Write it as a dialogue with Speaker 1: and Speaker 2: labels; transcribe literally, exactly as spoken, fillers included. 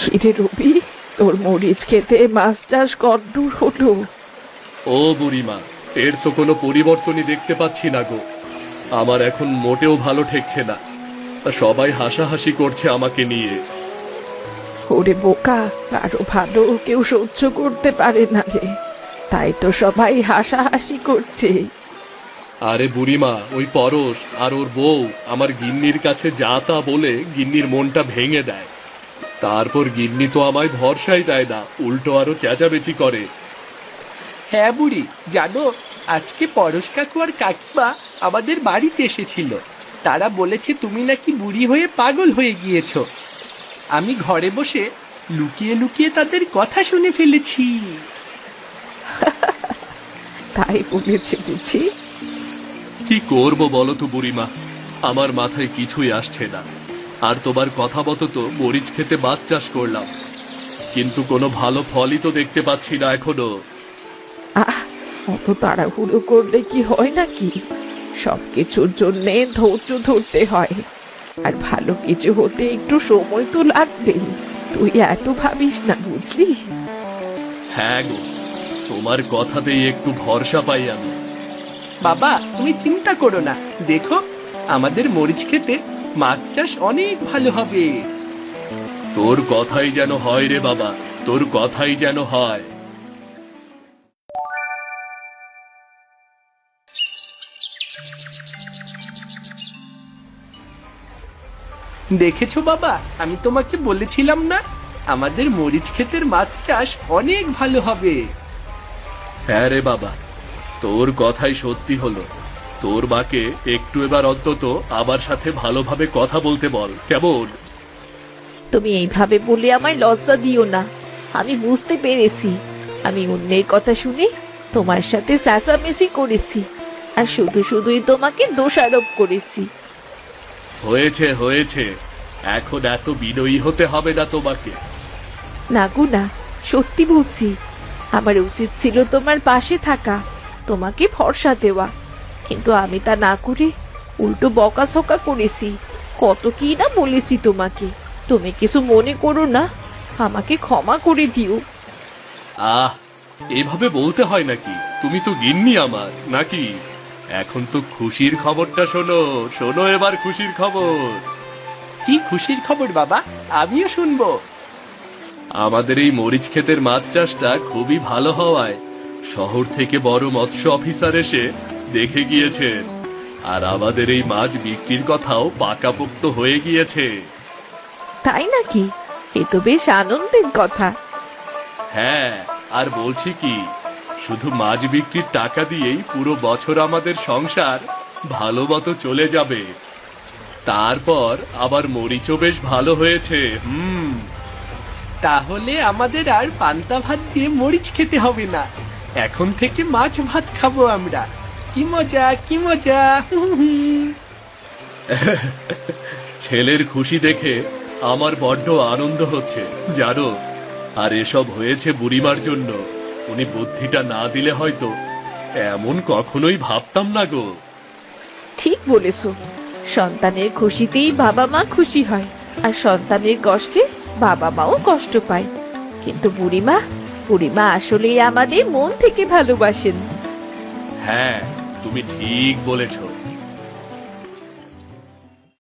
Speaker 1: কিরে রবি, তোর মরিচ খেতে মাছ চাষ কদ্দূর হলো?
Speaker 2: ও বুড়িমা, এর তো কোনো পরিবর্তনই দেখতে পাচ্ছি না গো। আমার এখন মোটেও ভালো ঠেকছে না। সবাই হাসাহাসি করছে আমাকে নিয়ে।
Speaker 1: ওরে বোকা, কারো ভালো কেউ সহ্য করতে পারে না রে, তাই তো সবাই হাসাহাসি করছে।
Speaker 2: আরে বুড়িমা, ওই পরশ আর ওর বউ আমার গিন্নির কাছে যা তা বলে গিন্নির মনটা ভেঙে দেয়। তারপর গিন্নি তো আমায় ভরসাই দেয় না, উল্টো আরো চেঁচামেচি করে।
Speaker 3: হ্যাঁ বুড়ি, জানো আজকে পরশ কাকু আর কাকিমা আমাদের বাড়িতে এসেছিল। তারা বলেছে তুমি নাকি বুড়ি হয়ে পাগল হয়ে গিয়েছো। আমি ঘরে বসে লুকিয়ে লুকিয়ে তাদের কথা শুনে ফেলেছি।
Speaker 1: তাই বলেছে বুঝি?
Speaker 2: কি করব বলো তো বুড়িমা, আমার মাথায় কিছুই আসছে না। আর তোমার কথা মতো তো মরিচ খেতে মাছ চাষ করলাম, কিন্তু কোনো ভালো ফলই তো দেখতে পাচ্ছি না এখনো।
Speaker 1: আহ, অত তাড়াহুড়ো করলে কি হয় নাকি? সবকিছুর জন্যে ধৈর্য ধরতে হয়, আর ভালো কিছু হতে একটু সময় তো লাগবেই। তুই এত ভাবিস না, বুঝলি?
Speaker 2: হ্যাঁ গো, তোমার কথাতেই একটু ভরসা পাই আমি।
Speaker 3: বাবা তুমি চিন্তা করো না, দেখো আমাদের মরিচ খেতে মাছ চাষ অনেক ভালো হবে।
Speaker 2: তোর কথাই যেন হয় রে বাবা, তোর কথাই যেন হয়।
Speaker 3: দেখেছো বাবা, আমি তোমাকে বলেছিলাম না আমাদের মরিচ ক্ষেতের মাছ চাষ অনেক ভালো হবে।
Speaker 2: হ্যাঁ রে বাবা, তোর কথাই সত্যি হলো। তোর মাকে একটু এবার অন্তত আমার সাথে ভালোভাবে কথা বলতে বল, কেমন?
Speaker 1: তুমি এইভাবে বলে আমায় লজ্জা দিও না। আমি বুঝতে পেরেছি আমি অন্যের কথা শুনে তোমার সাথে চেঁচামেচি করেছি, আর শুধু শুধুই তোমাকে দোষারোপ করেছি।
Speaker 2: হয়েছে হয়েছে, এখন এত বিনয়ী হতে হবে না তোমাকে।
Speaker 1: না গো না, সত্যি বলছি। আমার উচিত ছিল তোমার পাশে থাকা, তোমাকে ভরসা দেওয়া, কিন্তু আমি তা না করে উল্টো বকাঝকা করেছি। কত কি না বলেছি তোমাকে। তুমি কিছু মনে করো না, আমাকে ক্ষমা করে দিও।
Speaker 2: আহ, এভাবে বলতে হয় নাকি? তুমি তো গিন্নি আমার, নাকি? এখন তো খুশির খবরটা শোনো, শোনো এবার খুশির খবর।
Speaker 3: কি খুশির খবর বাবা, আমিও শুনবো।
Speaker 2: আমাদের এই মরিচ ক্ষেতের মাছ চাষটা খুবই ভালো হওয়ায় শহর থেকে বড় মৎস্য অফিসার এসে দেখে গিয়েছেন, আর আমাদের এই মাছ বিক্রির কথাও পাকাপোক্ত হয়ে গিয়েছে।
Speaker 1: তাই নাকি? এ তো বেশ আনন্দের কথা।
Speaker 2: হ্যাঁ, আর বলছি কি, শুধু মাছ বিক্রির টাকা দিয়েই পুরো বছর আমাদের সংসার ভালো মতো চলে যাবে। তারপর আবার মরিচও বেশ ভালো হয়েছে। হুম,
Speaker 3: তাহলে আমাদের আর পান্তা ভাত দিয়ে মরিচ খেতে হবে না, এখন থেকে মাছ ভাত খাবো আমরা। কি মজা, কি মজা।
Speaker 2: ছেলের খুশি দেখে আমার বড্ড আনন্দ হচ্ছে জানো। আর এসব হয়েছে বুড়িমার জন্য। উনি বুদ্ধিটা না দিলে হয়তো এমন কখনোই ভাবতাম না গো।
Speaker 1: ঠিক বলেছো, সন্তানের খুশিতেই বাবা মা খুশি হয়, আর সন্তানের কষ্টে বাবা মাও কষ্ট পায়। কিন্তু বুড়িমা, বুড়িমা আসলেই আমাদের মন থেকে ভালোবাসেন।
Speaker 2: হ্যাঁ, তুমি ঠিক বলেছো।